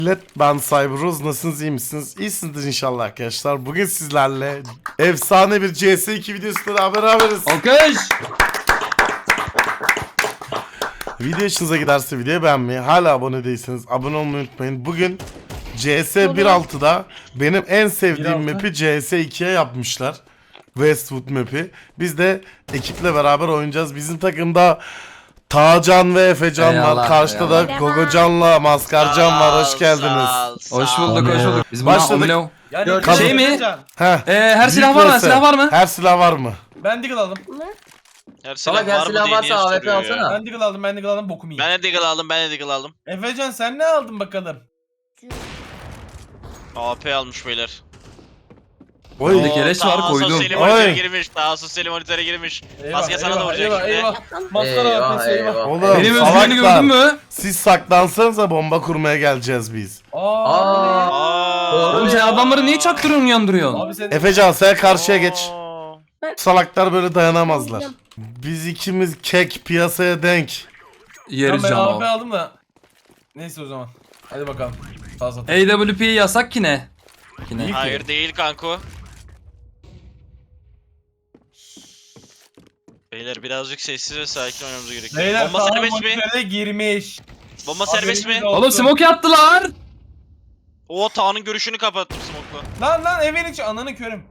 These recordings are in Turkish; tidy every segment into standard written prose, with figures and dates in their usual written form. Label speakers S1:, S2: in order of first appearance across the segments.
S1: Millet, ben Cyberuz, nasılsınız, iyi misiniz? İyisinizdir inşallah arkadaşlar. Bugün sizlerle efsane bir CS2 videosuyla beraberiz.
S2: Alkış.
S1: Video hoşunuza giderse videoyu beğenmeyi, hala abone değilseniz abone olmayı unutmayın. Bugün CS 1.6'da benim en sevdiğim
S3: 1.6.
S1: map'i CS 2'ye yapmışlar. Westwood map'i. Biz de ekiple beraber oynayacağız. Bizim takımda Tağcan ve Efecan var.
S2: Eyvallah,
S1: Karşıda da
S2: eyvallah.
S1: Gogocan'la Maskarcan var. Hoş geldiniz.
S2: Hoş bulduk, hoş bulduk. Biz buna
S1: Başladık.
S2: omlo.
S3: Yani
S2: Şey mi?
S1: Heh.
S2: Her
S1: Büyük
S2: silah var mı?
S1: vs.
S2: Silah var mı?
S1: Her silah var mı?
S3: Ben Deagle aldım.
S4: Her
S5: Salak,
S4: silah
S5: her
S4: var mı
S5: silah
S4: diye niye
S5: varsa AWP
S4: soruyor ya?
S5: alsana.
S3: Ben Deagle aldım, bokumu yiyeyim.
S4: Ben de Deagle aldım, ben de Deagle aldım.
S3: Efecan sen ne aldın bakalım?
S4: AP almış beyler.
S1: Oy.
S2: Bir de keleş var, koydum.
S4: Sosyali
S1: Oy.
S4: monitöre girmiş, daha sosyali monitöre girmiş. Maske sana da vuracak şimdi.
S3: Eyvah. Maskara
S5: Eyvah,
S3: AP'si eyvah.
S5: eyvah.
S1: Oğlum
S2: Benim özgüveni
S1: salaklar.
S2: gördün mü?
S1: Siz saklansanıza, bomba kurmaya geleceğiz biz.
S3: Aa.
S4: Aa.
S2: Oğlum sen adamları niye çaktırıyorsun, uyandırıyorsun?
S3: Abi sen
S1: Efecan sen karşıya geç.
S4: Aa.
S1: Salaklar böyle dayanamazlar. Biz ikimiz kek, piyasaya denk.
S2: Yeriz
S3: ben
S2: canım.
S3: AP aldım da. Neyse o zaman. Hadi bakalım. Sağ sat.
S2: AWP yasak ki ne? Ki ne?
S3: İyi.
S4: Hayır değil kanko. Beyler birazcık sessiz ve sakin oynamamız gerekiyor.
S3: Beyler
S4: Bomba
S3: sağ
S4: serbest mi?
S3: monitöre girmiş.
S4: Bomba serbest mi?
S3: Haberiniz olsun.
S2: Oğlum smoke attılar.
S4: O Tağ'ın görüşünü kapattım smoke'la.
S3: Lan evin içi ananı körüm.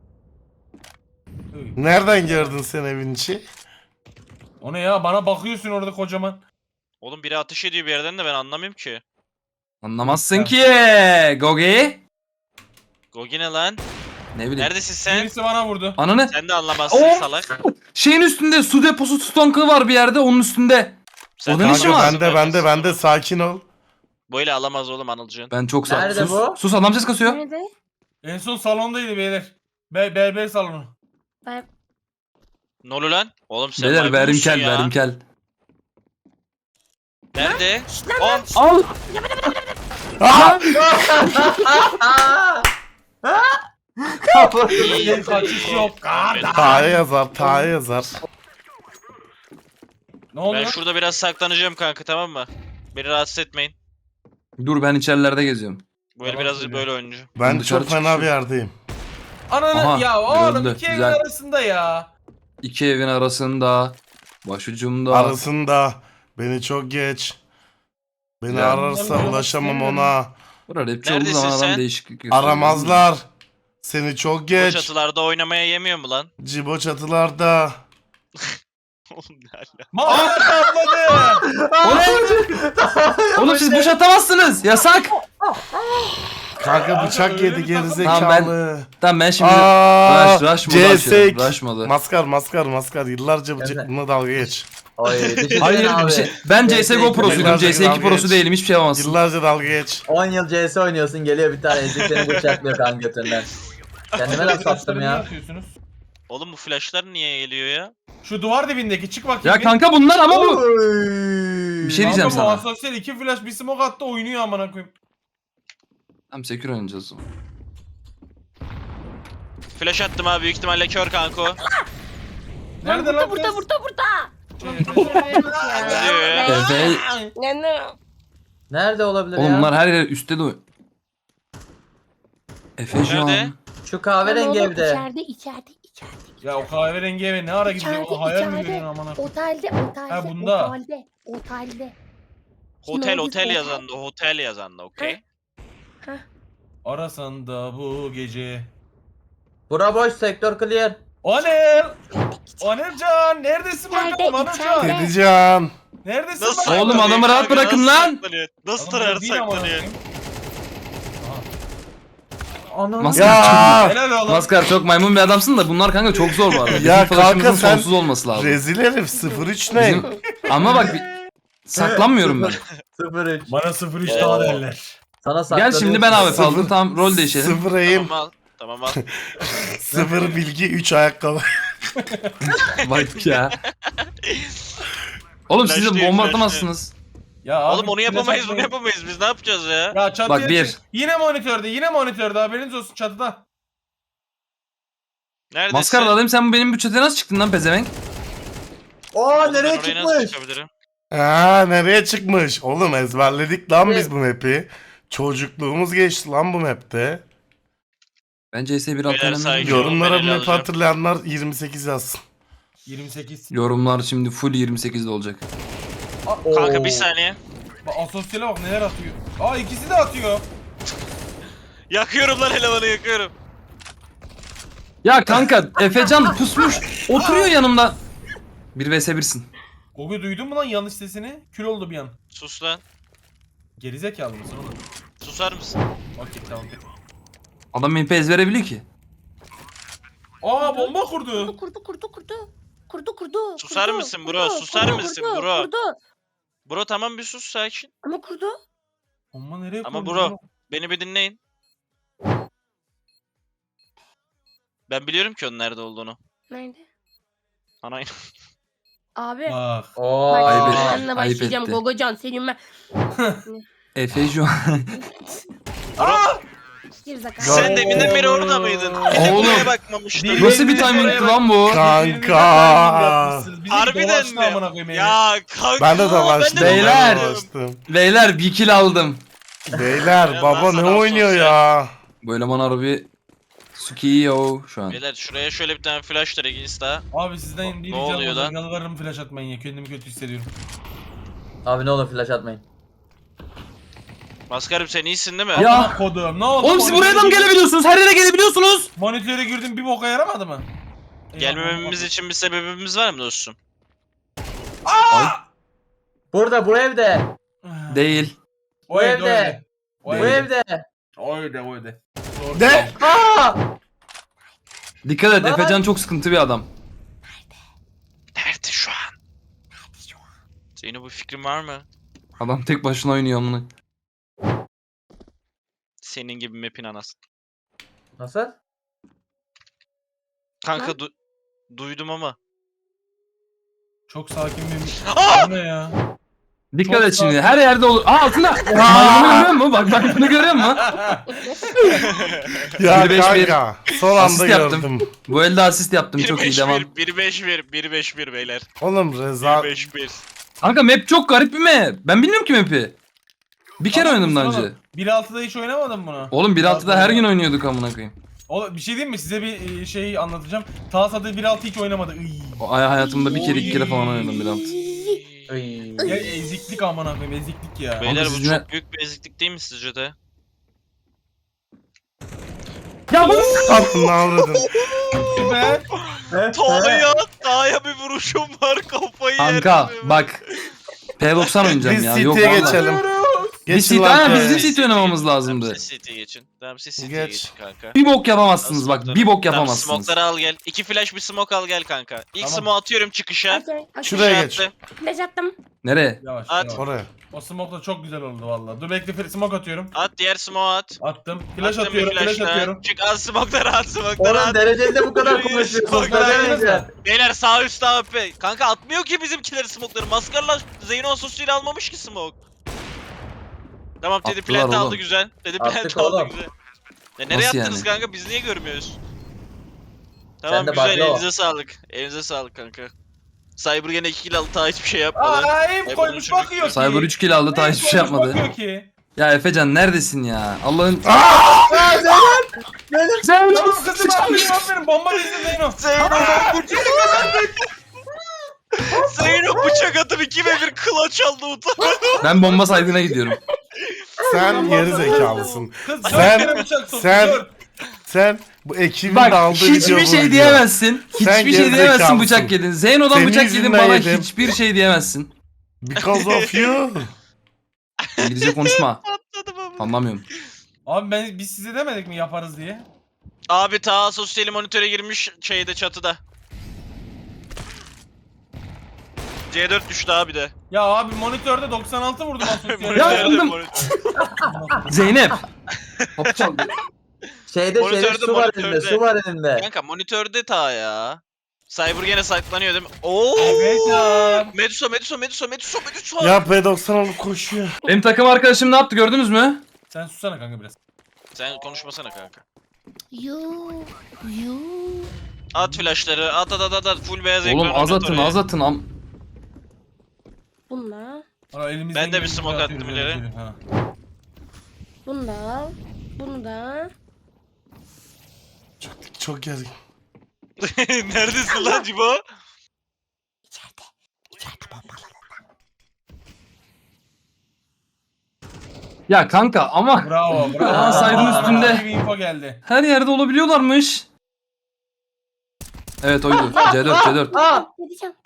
S3: Uy.
S1: Nereden gördün sen evin içi?
S3: O ne ya, bana bakıyorsun orada kocaman.
S4: Oğlum biri ateş ediyor bir yerden de ben anlamıyorum ki.
S2: Anlamazsın ki. Gogi.
S4: Gogi ne lan?
S2: Ne bileyim.
S4: Neredesin sen?
S3: Birisi bana vurdu.
S2: Ananı.
S4: Sen de anlamazsın
S2: Oh!
S4: salak.
S2: Şeyin üstünde su deposu tutankı var bir yerde, onun üstünde.
S4: Sen
S2: O
S4: de
S2: da ne işin
S4: anlamazsın,
S2: var?
S1: Bende sakin ol.
S4: Böyle alamaz oğlum Anılcığın.
S2: Ben çok sağ.
S5: Nerede
S2: Sus.
S5: bu?
S2: Sus, adam ses kasıyor.
S6: Nerede?
S3: En son salondaydı beyler. Berber salonu.
S6: Ben
S4: Ne oluyor lan? Oğlum sen
S2: Beyler
S4: maymun musun
S2: verimkel,
S4: ya?
S2: verimkel.
S4: Nerede?
S6: lan.
S4: Al.
S2: Al.
S3: Bir kaçış yok.
S1: Ta'ya yazar, Ta'ya yazar.
S3: Ne oldu?
S4: Ben şurada biraz saklanacağım kanka, tamam mı? Beni rahatsız etmeyin.
S2: Dur, ben içerilerde geziyorum.
S4: Bu el
S3: Tamam,
S4: biraz
S3: söylüyorum.
S4: böyle oynayacağım.
S1: Ben
S2: Dışarı
S1: çok fena
S2: çıkışım.
S1: bir yerdeyim.
S3: Ananı
S2: Aha,
S3: ya oğlum
S2: görüldü,
S3: iki evin
S2: güzel.
S3: arasında ya.
S2: İki evin arasında, başucumda.
S1: Arasında beni çok geç. Beni
S2: Ya.
S1: ararsa ulaşamam ona.
S2: Burada rapçi olduğu
S4: Neredesin
S2: zaman adam
S4: sen?
S2: değişiklik gösteriyor.
S1: Aramazlar. Seni çok
S4: Bu
S1: geç.
S4: çatılarda oynamaya yemiyor mu lan?
S1: Cibo çatılarda.
S4: Oğlum ne ala?
S3: Mahmut atladı.
S2: Oğlum siz boş atamazsınız. Yasak.
S1: Kanka bıçak
S3: öyle
S1: yedi
S3: bir takım-
S1: gerizekalı.
S2: Tamam ben şimdi
S1: Aaa.
S2: rush modu açıyorum.
S1: CS2.
S2: Rush modu.
S1: Maskar. Yıllarca
S5: Evet.
S1: bıçakla dalga geç.
S5: Oy, bir şey
S2: Hayır
S5: diyeyim
S2: bir
S5: abi.
S2: şey. Ben CSGO prosuydum.
S1: Yıllarca
S2: CS2
S1: dalga
S2: prosu
S1: geç.
S2: değilim. Hiçbir şey yapamazsın.
S1: Yıllarca dalga geç.
S5: 10 yıl CS oynuyorsun, geliyor bir tane ezik seni bıçaklıyor kan götünden. Kendime laf sattım
S3: Niye
S5: ya.
S3: atıyorsunuz?
S4: Oğlum bu flashlar niye geliyor ya?
S3: Şu duvar dibindeki çık bakayım.
S2: Ya
S3: bir.
S2: kanka bunlar ama bu. Bir şey diyeceğim
S3: Kanka bu
S2: sana.
S3: asosyal iki flash bir smoke attı oynuyor amına koyayım.
S2: Tamam sekür oynayacağız o zaman.
S4: Flash attım abi, büyük ihtimalle kör kanko.
S3: Nerede lan?
S6: burada.
S4: Ne diyor ya?
S2: Efe.
S6: Ne?
S5: Nerede olabilir
S2: Oğlum
S5: ya?
S2: bunlar her yer üstte de oy- Efecan.
S4: Nerede?
S5: Şu kahverengi evde.
S6: İçeride.
S3: Ya o kahverengi eve ne ara gidecek? O hayal mi görüyorsun amına koyayım?
S6: Otelde.
S3: Ha, bunda.
S6: Otelde.
S4: Otel yazan da, hotel yazan da, okey?
S3: Arasan da bu gece.
S5: Bura boş, sektör clear.
S3: Onelcan neredesin bakalım Onelcan?
S1: Dedeceğim.
S3: Neredesin
S4: Nasıl
S3: bakalım?
S2: Oğlum, adamı rahat
S4: kanka,
S2: bırakın
S4: nasıl
S2: lan.
S4: saklanıyor? Nasıl
S3: Oğlum,
S4: rahat
S3: değil amına
S4: saklanıyor?
S3: koyayım.
S5: Ana.
S2: Maskar,
S3: Helal oğlum.
S2: Maskar çok maymun bir adamsın da bunlar kanka çok zor bu arada. Bizim
S1: Ya kanka
S2: flash'ımızın
S1: sen
S2: sonsuz olması lazım.
S1: rezil herif 03 ne?
S2: Bizim... Ama bak saklanmıyorum ben.
S5: 03.
S3: Bana 03 daha derler.
S5: Sana
S2: Gel
S5: saklanıyorsun.
S2: şimdi ben abi
S1: Sıfır-
S2: aldım, tamam rol değişelim.
S1: 0 aim,
S4: Tamam al. Tamam al.
S1: 0 bilgi, 3 ayakkabı.
S2: Bak ya. Oğlum siz de
S4: Flash'lıyım,
S2: bomba
S4: flash'lıyım.
S2: atamazsınız.
S3: Ya abi,
S4: Oğlum onu yapamayız, bunu
S3: flash
S4: yapamayız. Biz ne yapacağız ya?
S3: Ya çatıya
S2: Bak, bir.
S3: çık. Yine monitörde haberiniz olsun çatıda.
S4: Neredesin?
S2: Maskar alayım, sen benim bütçete nasıl çıktın lan pezevenk?
S5: Oo,
S4: Oğlum ben
S5: nereye
S4: oraya nasıl
S5: çıkmış?
S4: çıkabilirim?
S1: Aa, nereye çıkmış? Oğlum ezberledik lan biz bu map'i. Çocukluğumuz geçti lan bu map'te.
S7: Ben CS 1.6
S4: Beyler
S7: oynamıyorum.
S4: saygı-
S1: Yorumlara bu
S4: ben
S1: map'i
S4: alacağım.
S1: hatırlayanlar 28 yazsın.
S3: 28.
S7: Yorumlar şimdi full 28'de olacak.
S4: Kanka
S5: Oo.
S4: bir saniye.
S3: Bak asosyale bak neler atıyor. Aa ikisi de atıyor.
S4: Yakıyorum lan elemanı yakıyorum.
S7: Ya kanka Efecan pusmuş oturuyor yanımda. 1 vs 1'sin.
S3: Gogo duydun mu lan yanlış sesini? Kül oldu bir an.
S4: Sus lan.
S3: Gerizekalı mısın oğlum?
S4: Susar mısın?
S3: Okey tamam.
S7: Adam MP verebiliyor ki.
S3: Aa bomba kurdu.
S6: Kurdu.
S4: Susar mısın bro? Susar mısın bro?
S6: Kurdu.
S4: Bro tamam bir sus sakin.
S6: Ama kurdu.
S3: Bomba nereye kurdu?
S4: Ama bro beni bir dinleyin. Ben biliyorum ki onun nerede olduğunu.
S6: Nerede?
S4: Anayın.
S6: Abi.
S3: Bak.
S5: Oo.
S6: Bak
S7: Ayıp
S6: şimdi
S7: etti,
S6: seninle
S7: ayıp
S6: başlayacağım
S7: etti.
S6: Gogocan senin ben.
S7: Efe şu an.
S6: Gerizekalı.
S4: Sen deminden beri orada mıydın?
S7: Oğlum.
S4: Buraya bakmamıştın.
S7: Nasıl bir timing'ti lan bu?
S1: Kanka.
S4: Harbiden mi? Ya kanka.
S1: Ben de
S4: ben
S1: dolaştım.
S4: de
S7: Beyler.
S4: dolaştım.
S7: Beyler bir kill aldım.
S1: Beyler
S4: Ya
S1: baba
S4: ben
S1: ne
S4: sana
S1: oynuyor
S4: sosyal-
S1: ya?
S7: Bu eleman harbi Sukiyo şu an.
S4: Beyler şuraya şöyle bir tane flash direkt insta.
S3: Abi sizden bir
S4: Ne oluyor
S3: ricam
S4: lan?
S3: olacak. Yalvarırım flash atmayın ya. Kendimi kötü hissediyorum.
S5: Abi ne olur flash atmayın.
S4: Maskarım sen iyisin değil mi?
S7: Ya.
S3: Amına kodum ne oldu?
S7: Oğlum siz buraya da mı gelebiliyorsunuz? Her yere gelebiliyorsunuz.
S3: Monitöre girdim bir boka yaramadı mı?
S4: Gelmememiz için bir sebebimiz var mı dostum?
S5: Burada bu evde.
S7: Değil.
S3: O evde.
S5: Bu evde.
S3: O
S5: Bu
S3: evde.
S5: evde.
S3: O evde. O evde. Doğru.
S1: De.
S5: Aa!
S7: Dikkat et
S5: Lan.
S7: Efecan çok sıkıntı bir adam.
S4: Nerede şu an? Senin bu fikrin var mı?
S7: Adam tek başına oynuyor amına.
S4: Senin gibi map'in anası.
S5: Nasıl?
S4: Kanka
S6: Lan.
S4: duydum ama.
S3: Çok sakin bir...
S4: Aa!
S3: Bu ne ya?
S7: Dikkat
S3: Çok
S7: et şimdi.
S3: sakin.
S7: Her yerde olur. Aa altında. Bunu görüyor musun? Bak bunu görüyor musun?
S1: Ya
S7: 1-5-1.
S1: kanka. Son anda
S7: Asist yaptım.
S1: gördüm.
S7: Bu elde asist yaptım. Çok iyi devam.
S4: 1-5-1 1-5-1 beyler.
S1: Oğlum Reza
S4: 1-5-1.
S7: Kanka map çok garip bir map. Ben bilmiyorum ki map'i. Bir kere oynadım daha önce.
S3: 1.6'da hiç oynamadım bunu.
S7: Oğlum 1.6'da her gün oynuyorduk amına koyayım.
S3: Oğlum bir şey diyeyim mi? Size bir şey anlatacağım. Talasa'da 1.6 hiç oynamadı. Iy.
S7: O hayatımda bir kere iki kere falan oynadım 1.6.
S5: Ay.
S3: Ya eziklik amına koyayım eziklik ya.
S4: Beyler bu
S7: siz
S4: çok
S7: ne-
S4: büyük bir eziklik değil mi sizce de?
S7: Ya bu
S1: ne avradın?
S3: Ben
S4: Taha'ya bir vuruşum var kafayı
S7: kanka
S4: yerim.
S7: bak. P90 oynayacağım
S1: Biz
S7: ya. Yok
S1: City'ye
S7: vallahi.
S1: geçelim.
S7: Biz
S1: Geçin
S7: City,
S1: lan
S7: ha,
S1: P'ye.
S7: biz de City oynamamız lazımdı.
S4: Tamam siz City'ye geçin. Tamam siz City'ye
S1: Geç.
S4: geçin kanka.
S7: Bir bok yapamazsınız bak. Bir bok
S4: Tamam
S7: yapamazsınız.
S4: smoke'ları al gel. 2 flash bir smoke al gel kanka. İlk
S3: Tamam.
S4: smoke atıyorum çıkışa.
S1: Şuraya geç.
S4: Attım.
S6: Flash attım.
S7: Nereye?
S3: Yavaş
S4: At.
S3: yavaş.
S1: Oraya.
S3: O smoke da çok güzel oldu valla. Dur bekle smoke atıyorum.
S4: At diğer smoke at.
S3: Attım. Flash
S4: Attım bir
S3: atıyorum. Flash
S4: flash'la.
S3: atıyorum.
S4: Çık at smoke'ları at smoke'ları
S5: Oğlum
S4: at.
S5: dereceli bu kadar konuşuyorsun.
S4: Bak,
S5: Söylemeyeceğim.
S4: Beyler sağ üstte AP. Kanka atmıyor ki bizimkileri smoke'ları. Maskarla Zeyno Asosyal'i almamış ki smoke. Tamam dedi
S7: Attılar
S4: plant aldı
S7: oğlum.
S4: güzel. Dedi
S5: Attık
S4: plant aldı
S5: oğlum.
S4: güzel. Nereye
S7: Nasıl
S4: attınız
S7: yani?
S4: kanka biz niye görmüyoruz? Tamam
S5: Sen de
S4: güzel
S5: bakla o.
S4: elinize sağlık. Elinize sağlık kanka. Cyber gene 2 kill aldı daha hiçbir şey yapmadı.
S3: Aa ev
S4: Ay,
S3: koymuş
S4: bunun
S3: bakıyor ki.
S7: Cyber 3 kill aldı daha
S3: Ev
S7: hiçbir şey
S3: koymuş,
S7: yapmadı.
S3: bakıyor ki.
S7: Ya Efecan neredesin ya? Allah'ın...
S5: Zeynep.
S3: Tamam kızım aferin bomba dizdim Zeyno.
S4: Zeyno bıçak atıp 2 ve 1 clutch aldı utanmadı.
S7: Ben bomba saydığına gidiyorum.
S1: Sen geri zekalısın.
S3: Kız
S1: Sen-
S3: dört kere bıçak soktu,
S1: sen-
S3: dört.
S1: Sen bu ekibin
S7: Bak
S1: de aldığı
S7: hiçbir
S1: video
S7: şey
S1: buydu.
S7: diyemezsin.
S1: Sen
S7: Hiçbir şey diyemezsin
S1: gerizekalısın.
S7: bıçak yedin. Zeyno'dan
S1: Senin
S7: bıçak yedin
S1: yüzünden
S7: bana
S1: yedim.
S7: hiçbir şey diyemezsin.
S1: Because of you.
S7: İngilizce konuşma.
S4: Atladım ama.
S7: Anlamıyorum.
S3: Abi biz size demedik mi yaparız diye?
S4: Abi ta sosyal monitöre girmiş şeyde çatıda. C4 düştü abi de.
S3: Ya abi monitörde 96 vurdum asosyal.
S7: Ya
S4: Monitörde
S7: oğlum.
S4: monitör.
S7: Zeynep. Kapı çaldı.
S5: Şeyde
S4: Monitörde,
S5: su var
S4: monitörde.
S5: elinde. Su var elinde.
S4: Kanka monitörde ta ya. Cyber gene saklanıyor değil mi? Oo!
S3: Evet ya.
S4: Medusa.
S1: Ya P90 alıp koşuyor.
S7: Benim takım arkadaşım ne yaptı gördünüz mü?
S3: Sen sussana kanka biraz.
S4: Sen konuşmasana kanka.
S6: You.
S4: At flashları, at full beyaz
S7: Oğlum
S4: ekran
S7: az
S4: oynat
S7: atın
S4: oraya.
S7: az atın.
S6: Bunlar.
S3: Valla elimizden
S4: Ben de bir
S3: geldiğince
S4: smoke
S3: atıyoruz,
S4: attım
S3: öyle
S4: ileri.
S3: söyleyeyim, ha.
S6: Bunu da al. Bunu da.
S1: Çok gergin.
S4: Neredesin lan Cibo?
S6: İçeride. İçeride bombalı.
S7: Ya kanka ama
S3: Bravo bravo.
S7: Aa, saydın üstünde.
S3: Bir info geldi.
S7: her yerde olabiliyorlarmış. Evet oydu. C4.
S5: Aa!
S6: Dedeceğim.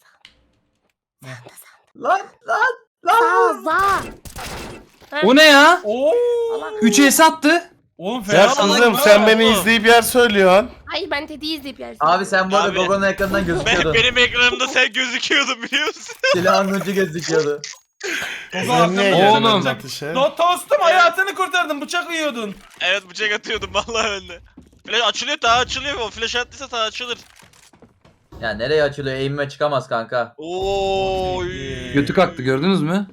S5: Lan!
S6: Sağ.
S7: O ne ya?
S3: Oo.
S7: 3 es attı.
S3: Oğlum
S1: Ya
S3: fena.
S1: kızım
S3: lan.
S1: sen beni izleyip yer söylüyorsun.
S6: Hayır ben Teddy'yi izleyip yersin.
S5: Abi sen bu arada
S4: Abi.
S5: Gogo'nun ekranından gözüküyordun.
S4: Benim ekranımda sen gözüküyordun biliyor musun?
S5: Silahın ucu gözüküyordu.
S3: Gogo
S1: Sen niye
S3: arkamda
S7: Oğlum.
S1: geldin
S3: bıçak.
S1: atışa?
S3: Tostum hayatını kurtardın. Bıçak yiyordun.
S4: Evet bıçak atıyordum vallahi ben de. Flash açılıyor, daha açılıyor. O flash attıysa daha açılır.
S5: Ya nereye açılıyor? Eğimime çıkamaz kanka.
S4: Oy.
S7: Götü kalktı gördünüz mü?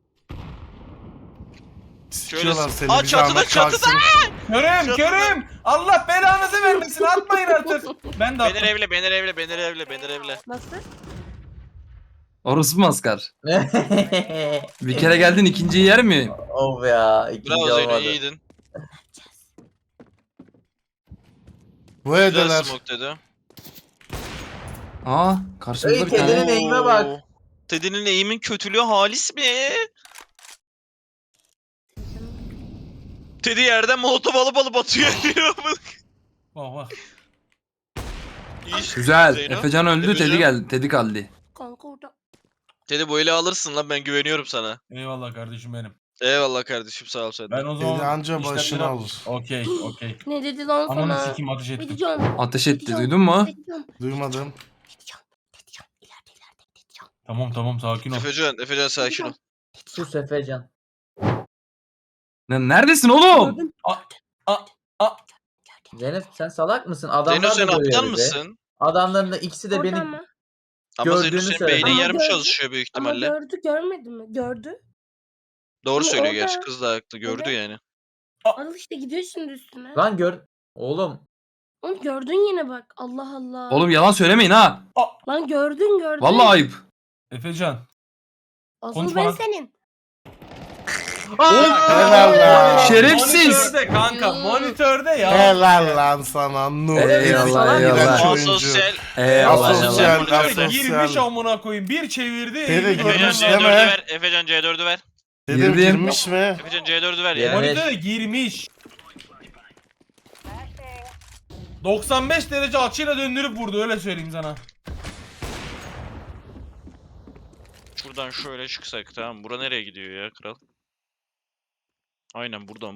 S1: Sikiyorlar seni
S4: Aa,
S1: bir
S4: çatıda,
S1: zahmet
S4: çatıda!
S1: kalksın.
S3: Körüm
S4: Çatıda.
S3: körüm. Allah belanızı vermesin. Atmayın artık. Ben de
S4: Beni
S3: attım.
S4: evle, beni evle, beni evle, beni evle.
S6: Nasıl?
S7: Orası maskar. Bir kere geldin ikinciyi yer mi?
S5: Of ya. İkinci
S4: Bravo Zeyno,
S5: olmadı.
S4: iyiydin.
S1: Bu
S4: Güzel
S1: edeler.
S4: smoke dedi.
S7: Aa karşımızda
S5: Ey,
S7: bir tane.
S5: kedinin eğime bak.
S4: Oo. Teddy'nin eğimin kötülüğü halis mi? Teddy yerden molotof alıp atıyor.
S3: Bak bak.
S4: İyi iş.
S7: Güzel.
S4: Zeyno.
S7: Efecan öldü.
S4: Efecan.
S7: Teddy geldi. Teddy kaldı.
S6: Kanka orada.
S4: Teddy bu eli alırsın lan, ben güveniyorum sana.
S3: Eyvallah kardeşim benim.
S4: Eyvallah kardeşim, sağ ol sen de.
S3: Ben o zaman
S1: Dedi anca
S3: işlemleri-
S1: başına alır.
S3: Okey okey.
S6: Ne dedi lan
S3: Ananı
S6: sana?
S3: sikim ateş ettim.
S6: Dedeceğim.
S7: Ateş etti duydun mu?
S6: Dedeceğim.
S1: Duymadım.
S6: Dedeceğim. Dedeceğim. İleride dedeceğim.
S3: Tamam sakin ol.
S4: Efecan sakin ol.
S5: Sus Efecan.
S7: Neredesin oğlum?
S6: Gördüm.
S5: Zeynep sen salak mısın? Adamlar
S4: Zeyno sen
S5: da görüyor
S4: aptal
S5: bizi.
S4: mısın?
S5: Adamların da ikisi de beni
S6: Oradan mı?
S4: Ama Zeyno
S5: Gördüğünü
S4: senin
S5: söyle.
S4: beynin
S6: Ama
S4: yarım
S6: gördü.
S4: çalışıyor büyük
S6: Ama
S4: ihtimalle.
S6: gördü görmedi mi? Gördü.
S4: Doğru
S6: Ama
S4: söylüyor
S6: orada-
S4: gerçi, kız da haklı, gördü
S6: Evet.
S4: yani.
S6: Al işte gidiyor şimdi üstüne.
S5: Lan gör. Oğlum.
S6: Oğlum gördün yine bak. Allah Allah.
S7: Oğlum yalan söylemeyin ha.
S6: Lan gördün.
S7: Vallahi ayıp.
S3: Efecan.
S6: Asıl
S3: konuşma
S6: ben
S3: lan.
S6: senin.
S1: Helal lan.
S7: Şerefsiz.
S3: Monitörde kanka monitörde ya.
S1: Helal lan sana Nur.
S7: Eyvallah,
S1: İğrenç
S7: eyvallah.
S1: oyuncu.
S4: Asosyal.
S7: Eyvallah.
S1: Asosyal,
S7: eyvallah.
S1: asosyal.
S3: Girmiş amına koyayım. Bir çevirdi.
S1: Tele
S3: elini
S1: girmiş
S4: Efecan
S3: koydu.
S1: deme.
S4: C4'ü ver. Efecan C4'ü ver.
S1: Dedim
S7: Girdim.
S1: girmiş mi?
S4: Efecan C4'ü ver
S5: Ya.
S4: ya.
S3: Monitöre girmiş. 95 derece açıyla döndürüp vurdu, öyle söyleyeyim sana.
S4: Şuradan şöyle çıksak, tamam. Bura nereye gidiyor ya kral? Aynen buradan.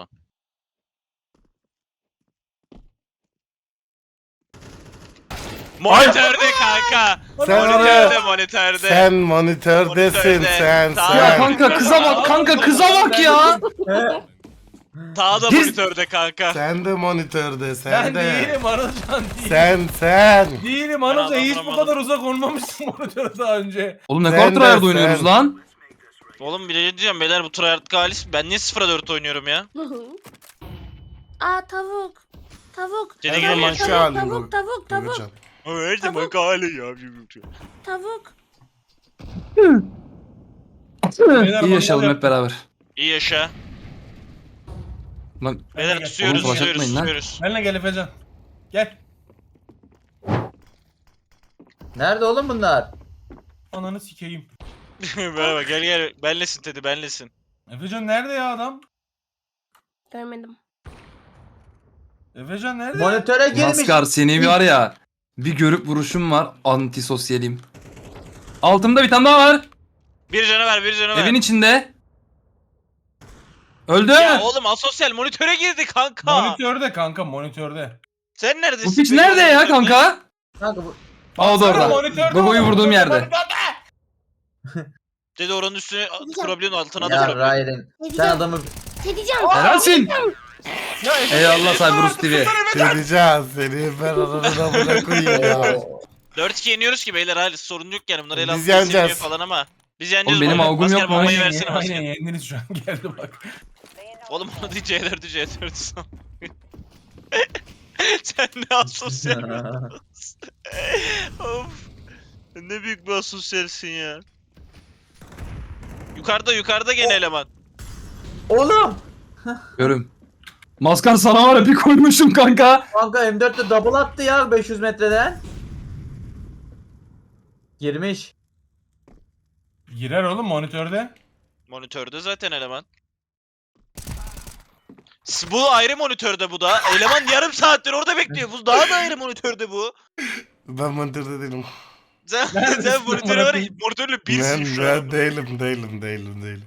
S4: Monitörde kanka.
S1: Sen
S4: Monitörde,
S1: oraya-
S4: monitörde.
S1: Sen monitördesin
S4: Monitörde.
S1: sen
S4: Tamam.
S7: Ya
S1: sen.
S7: kanka kıza bak kanka kıza bak ya.
S4: Daha da
S7: Gir-
S4: monitörde kanka.
S1: Sen de monitörde
S3: Ben
S1: sen de.
S3: değilim Anılcan değil.
S1: Sen.
S3: Değilim
S4: Ben
S3: Anılcan, hiç bu
S4: anlamadım.
S3: kadar uzak olmamışsın monitöre daha önce.
S7: Oğlum ne
S1: Sen
S7: kadar
S1: de,
S7: tryhard
S1: sen.
S7: oynuyoruz lan.
S4: Oğlum bir de diyeceğim beyler, bu tryhard galis. Ben niye 0'a 4 oynuyorum ya?
S6: Aa tavuk. Tavuk.
S4: Seni
S1: Her
S4: geliyor.
S1: zamanki
S6: Tavuk,
S1: halin
S6: tavuk,
S1: bu.
S6: tavuk, tavuk,
S1: Gülcan.
S4: Her zaman gali ya.
S6: tavuk.
S3: Beyler,
S7: İyi yaşayalım
S3: monitör-
S7: hep beraber.
S4: İyi yaşa.
S7: Lan
S4: Beyler tutuyoruz,
S7: Oğlum, flash
S4: tutuyoruz,
S7: atmayın lan.
S4: tutuyoruz.
S3: Benimle gel Efecan. Gel.
S5: Nerede oğlum bunlar?
S3: Ananı sikeyim.
S4: Merhaba, gel. Benlesin Teddy, benlesin.
S3: Efecan nerede ya adam?
S6: Görmedim.
S3: Efecan nerede?
S5: Monitöre girmiş.
S7: maskar seni var ya. Bir görüp vuruşum var. Antisosyalim. Altımda bir tane daha var.
S4: Bir canavar.
S7: Evin içinde. Öldü.
S4: Ya oğlum asosyal monitöre girdi kanka.
S3: Monitörde kanka, monitörde.
S4: Sen neredesin?
S7: Bu piç
S4: peki?
S7: nerede ya kanka?
S5: Kanka bu.
S7: Aa o da
S3: Baksana,
S7: orada.
S3: monitörde
S7: Gogo'yu
S3: oğlum,
S7: vurduğum yerde.
S3: monitörde.
S4: Dedi oranın üstüne kurabiliyorsun, altına da
S5: Ya
S4: kurabiliyorsun.
S5: Ryan. Sen
S6: Dedeceğim.
S5: adamı
S6: Dedeceğim.
S7: Helalsin.
S3: Ya Efecan,
S7: Eyvallah Cyberus TV.
S1: Seveceğim seni ben ananı buna koyayım ya.
S4: 4-2 yeniyoruz ki beyler, hali sorun yok yani. Bunlar el
S1: Biz
S4: altında
S1: yeneceğiz.
S4: seviniyor falan ama. Biz yeneceğiz.
S7: Oğlum benim
S4: oğlum.
S7: avgum
S4: Masker
S7: yok mu?
S4: bombayı
S3: Aynen,
S4: versene
S3: aynen
S4: masker.
S3: yendiniz şu an, geldi bak.
S4: Oğlum onu değil, C4'ü Sen ne asosyal. Of. Ne büyük bir asosyalsin ya. Yukarıda gene eleman.
S5: Oğlum.
S7: Görüm. Maskar sana var ya bir koymuşum kanka.
S5: Kanka M4'te double attı ya 500 metreden. Girmiş.
S3: Girer oğlum monitörde.
S4: Monitörde zaten eleman. Bu ayrı monitörde bu da. Eleman yarım saattir orada bekliyor. Bu daha da ayrı monitörde bu.
S1: Ben monitörde değilim.
S4: Sen
S3: Neredesin
S4: monitöre var ya,
S3: amına
S4: monitörle birsin şu an.
S1: Ben değilim.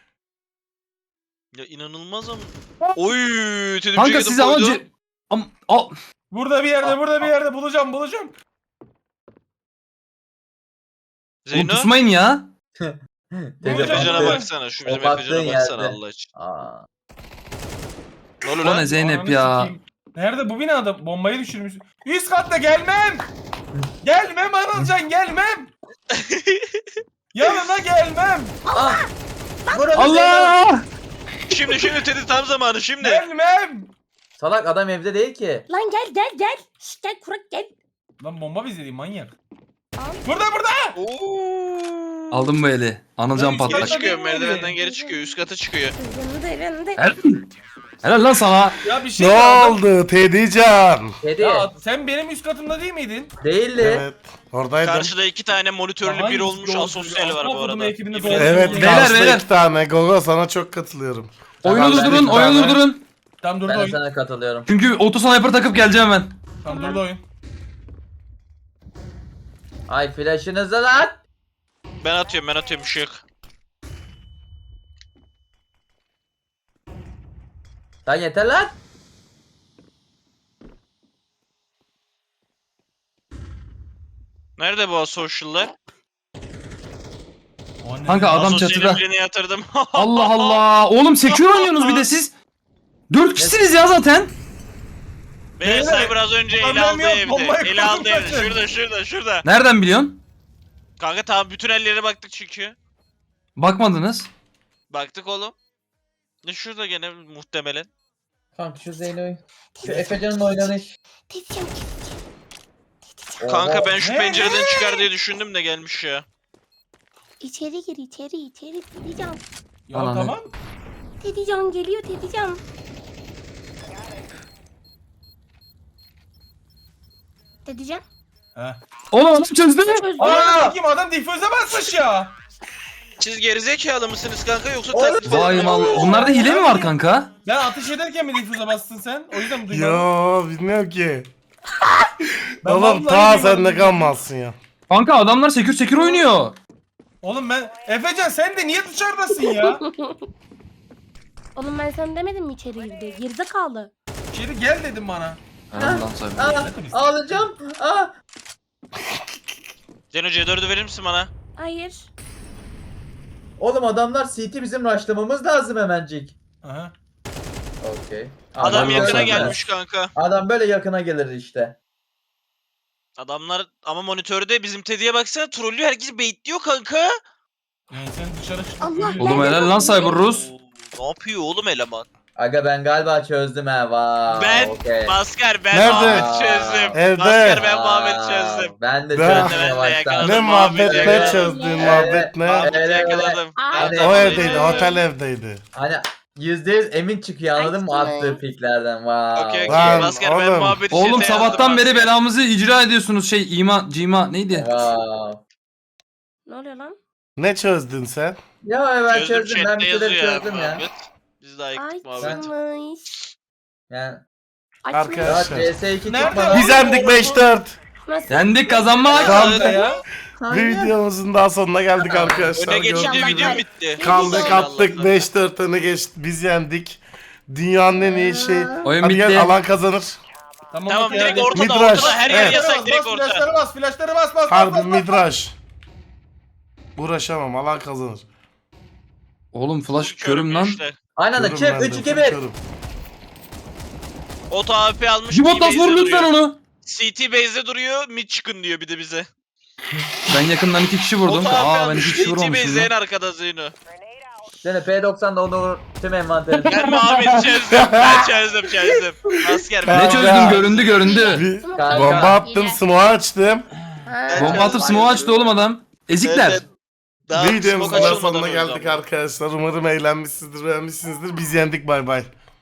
S4: Ya inanılmaz ama. Oy, Tedimci'ye
S7: Kanka
S4: gidip
S7: siz ama
S4: koydu.
S7: Al.
S3: Burada bir yerde bulacağım.
S7: Oğlum
S4: Zeyno.
S7: pusmayın ya.
S5: Tece
S4: Efecan'a
S5: baktı.
S4: baksana. Şu bizim
S5: O baktığın
S4: Efecan'a baksana
S5: yerde.
S4: Allah için.
S5: Aa.
S4: Ne oluyor
S7: O ne
S4: lan?
S7: Zeynep
S3: Ananı
S7: ya.
S3: sikeyim. Nerede bu binada? Bombayı düşürmüş. Üst katta gelmem. Gelmem Anılcan gelmem. Yanına gelmem.
S5: Ah! Vurun Zeyno.
S7: Allah!
S4: Şimdi Teddy tam zamanı şimdi.
S3: Gelmem.
S5: Salak adam evde değil ki.
S6: Lan gel. Şşt gel kurak gel.
S3: Lan bomba bize değil manyak.
S6: Al.
S3: Burada.
S4: Oo.
S7: Aldım bu eli. Anılcan
S3: Ben
S4: Geri
S7: patlak.
S4: çıkıyor, merdivenden geri çıkıyor, üst kata çıkıyor.
S6: Yanında.
S7: Helal lan sana.
S3: Ya bir şey
S1: Ne
S3: adam-
S1: oldu Teddycan?
S5: Kedi.
S3: Ya sen benim üst katımda değil miydin?
S5: Değildi.
S1: Evet. Oradaydım.
S4: Karşıda 2 tane monitörlü
S3: Hangisi
S4: bir olmuş
S3: yolcu?
S4: asosyal var bu
S3: Aslan kodumu
S4: arada.
S3: ekibinde
S4: Yemin
S3: doğru.
S4: ederim.
S1: Evet
S3: Beyler,
S1: karşıda
S7: beyler.
S1: 2 tane. Gogo sana çok katılıyorum.
S7: Oyunu
S5: Tamam, ben
S7: durdurun,
S5: bir
S7: oyunu
S5: tane-
S7: durdurun.
S3: Tam durdu
S5: Ben de
S3: oyun.
S5: sana katılıyorum.
S7: Çünkü otosniper takıp geleceğim ben.
S3: Tam durdu oyun.
S5: Ay flash'ınızı lan.
S4: Ben atıyorum ışık.
S5: Lan yeter lan.
S4: Nerede bu asosyal'lar?
S3: O ne?
S7: Kanka adam çatıda.
S4: Asosyalin birine yatırdım.
S7: Allah Allah. Oğlum sekiyor oynuyorsunuz bir de siz. 4 kişisiniz ya zaten.
S4: Beyler
S3: Beyler,
S4: Cyber az önce ele
S3: problem
S4: aldı
S3: yok,
S4: evde.
S3: bombayı
S4: Ele aldı
S3: koydum
S4: evde.
S3: zaten.
S4: Şurada.
S7: Nereden biliyorsun?
S4: Kanka tamam bütün ellere baktık çünkü.
S7: Bakmadınız.
S4: Baktık oğlum. Ne şurada gene muhtemelen.
S5: Kanka şu Zeyno'yu. Şu Efecan'ın oynanış.
S6: Teddycan.
S4: Kanka ben şu
S3: Ne?
S4: pencereden çıkar diye düşündüm de gelmiş ya.
S6: İçeri gir içeri. Teddycan.
S3: Ya
S7: Ananı.
S3: tamam.
S6: Teddycan geliyor Teddycan. Teddycan.
S3: Heh.
S7: Oğlum adam çözdü.
S3: Aa! Kim adam difüze basmış ya.
S4: Siz gerizekalı mısınız kanka yoksa
S5: Oğlum,
S4: taklit falan
S7: Vay
S4: mı?
S7: mal. Bunlarda hile mi var kanka?
S3: Sen ateş ederken mi difüze bastın sen? O yüzden mi duymadın?
S1: Yo bilmiyorum ki.
S3: Ben
S1: Oğlum
S3: vallahi
S1: ta
S3: duymadım.
S1: sen ne kalmazsın ya.
S7: Kanka adamlar sekür oynuyor.
S3: Oğlum ben... Efecan sen de niye dışarıdasın ya?
S6: Oğlum ben sana demedim mi içeri gir diye. Gerizekalı.
S3: İçeri gel dedim bana.
S7: Ondan sonra.
S5: Aa, ağlayacağım. Aa.
S4: Zeno C4'ü verir misin bana?
S6: Hayır.
S5: Oğlum adamlar CT bizim rushlamamız lazım hemencik.
S3: Aha.
S5: Okey.
S4: Adam
S7: Adam
S4: yakına
S7: zaten.
S4: gelmiş kanka.
S5: Adam böyle yakına gelir işte.
S4: Adamlar ama monitörde bizim Teddy'ye baksana trollüyor, herkesi baitliyor kanka.
S3: Yani sen dışarı çık.
S6: Allah
S7: Oğlum helal lan Cyber Rus.
S4: Oo, ne yapıyor oğlum eleman?
S5: Aga ben galiba çözdüm ha. Vay.
S4: Ben
S5: okey.
S4: Maskar ben
S1: Nerede?
S4: Muhammed'i çözdüm.
S1: Evde.
S4: Maskar ben
S5: Aa,
S4: Muhammed'i çözdüm.
S5: Ben de
S1: Ben-
S5: çözdüm
S4: Ben de
S5: yavaştan.
S4: yakaladım.
S1: Ne muhabbet ne
S4: yakaladım.
S1: çözdüğün
S6: Evet.
S1: muhabbet ne?
S4: Muhammed'i
S5: öyle.
S4: yakaladım.
S6: Aa,
S4: Ben de
S1: O
S4: yakaladım.
S1: evdeydi, otel evdeydi.
S5: Hani %100 emin çıkıyor anladın mı
S6: Ay,
S5: attığı piklerden. Vay.
S4: Okey
S1: Lan,
S4: okey. Maskar ben
S1: oğlum.
S4: Muhammed'i
S7: Oğlum
S4: çete
S7: sabahtan
S4: yazdım,
S7: beri
S4: Maskar.
S7: belamızı icra ediyorsunuz. Cima neydi?
S5: Wow.
S6: Ne oluyor lan?
S1: Ne çözdün sen?
S5: Ya ben
S4: Çözdüm,
S5: çözdüm. Ben
S4: chatte
S5: bir şeyler
S4: yazıyor
S5: çözdüm ya.
S4: Muhammed. Biz de ayıktık Muhammed.
S6: Açmış.
S5: Yani
S1: Arkadaş.
S5: ya
S1: Arkadaşlar.
S5: CS2
S3: Nerede
S5: çıkmadan.
S1: Biz yendik 5-4.
S6: Nasıl?
S7: Yendik kazanmak.
S1: Kanka
S3: ya.
S1: Bir videomuzun daha sonuna geldik arkadaşlar.
S4: Öne geçince
S1: Gördüğünüz
S4: video
S1: gibi.
S4: bitti.
S1: Kaldık
S4: Allah
S1: attık
S4: Allah.
S1: 5-4 öne geçtik. Biz yendik. Dünyanın en iyi şeyi.
S7: Oyun
S1: Hadi
S7: bitti.
S1: gel alan kazanır.
S4: Tamam
S3: okey,
S4: direkt
S3: hadi.
S4: ortada
S1: Midrash.
S4: ortada her yer
S1: Evet.
S4: yasak direkt orta.
S3: Flashları bas, flashları bas.
S1: Harbi midraş. Uğraşamam alan kazanır.
S7: Oğlum flash körüm lan.
S4: işte.
S5: Aynen öyle.
S1: Körüm
S5: Çık
S1: ben de,
S5: 3 2 1.
S1: körüm.
S4: Oto AWP almış.
S7: Jibotas
S4: T-Base'de
S7: vur lütfen
S4: duruyor.
S7: onu.
S4: CT base'de duruyor. Mid çıkın diyor bir de bize.
S7: Ben yakından 2 kişi vurdum.
S4: Oto AWP
S7: Aa ben
S4: almış.
S7: 2 kişi
S4: CT
S7: vurmamışım
S4: base'de en
S7: lan.
S4: arkada Zeyno.
S5: Seni P90'da onu vur. Tüm envanterini.
S4: Ben Muhammed'i çözdüm. Ben çözdüm. Asker
S1: Ben-
S7: Ne
S4: ben.
S7: çözdüm göründü.
S1: Bir
S5: Kanka.
S1: bomba attım, smoke açtım.
S6: Ha.
S7: Bomba atıp smoke açtı oğlum adam. Ezikler.
S4: Evet, Daha
S1: Videomuzun
S4: smoke
S1: da
S4: açılmadan
S1: sonuna
S4: öldü
S1: geldik
S4: ama.
S1: arkadaşlar. Umarım eğlenmişsinizdir, beğenmişsinizdir. Biz yendik, bay bay.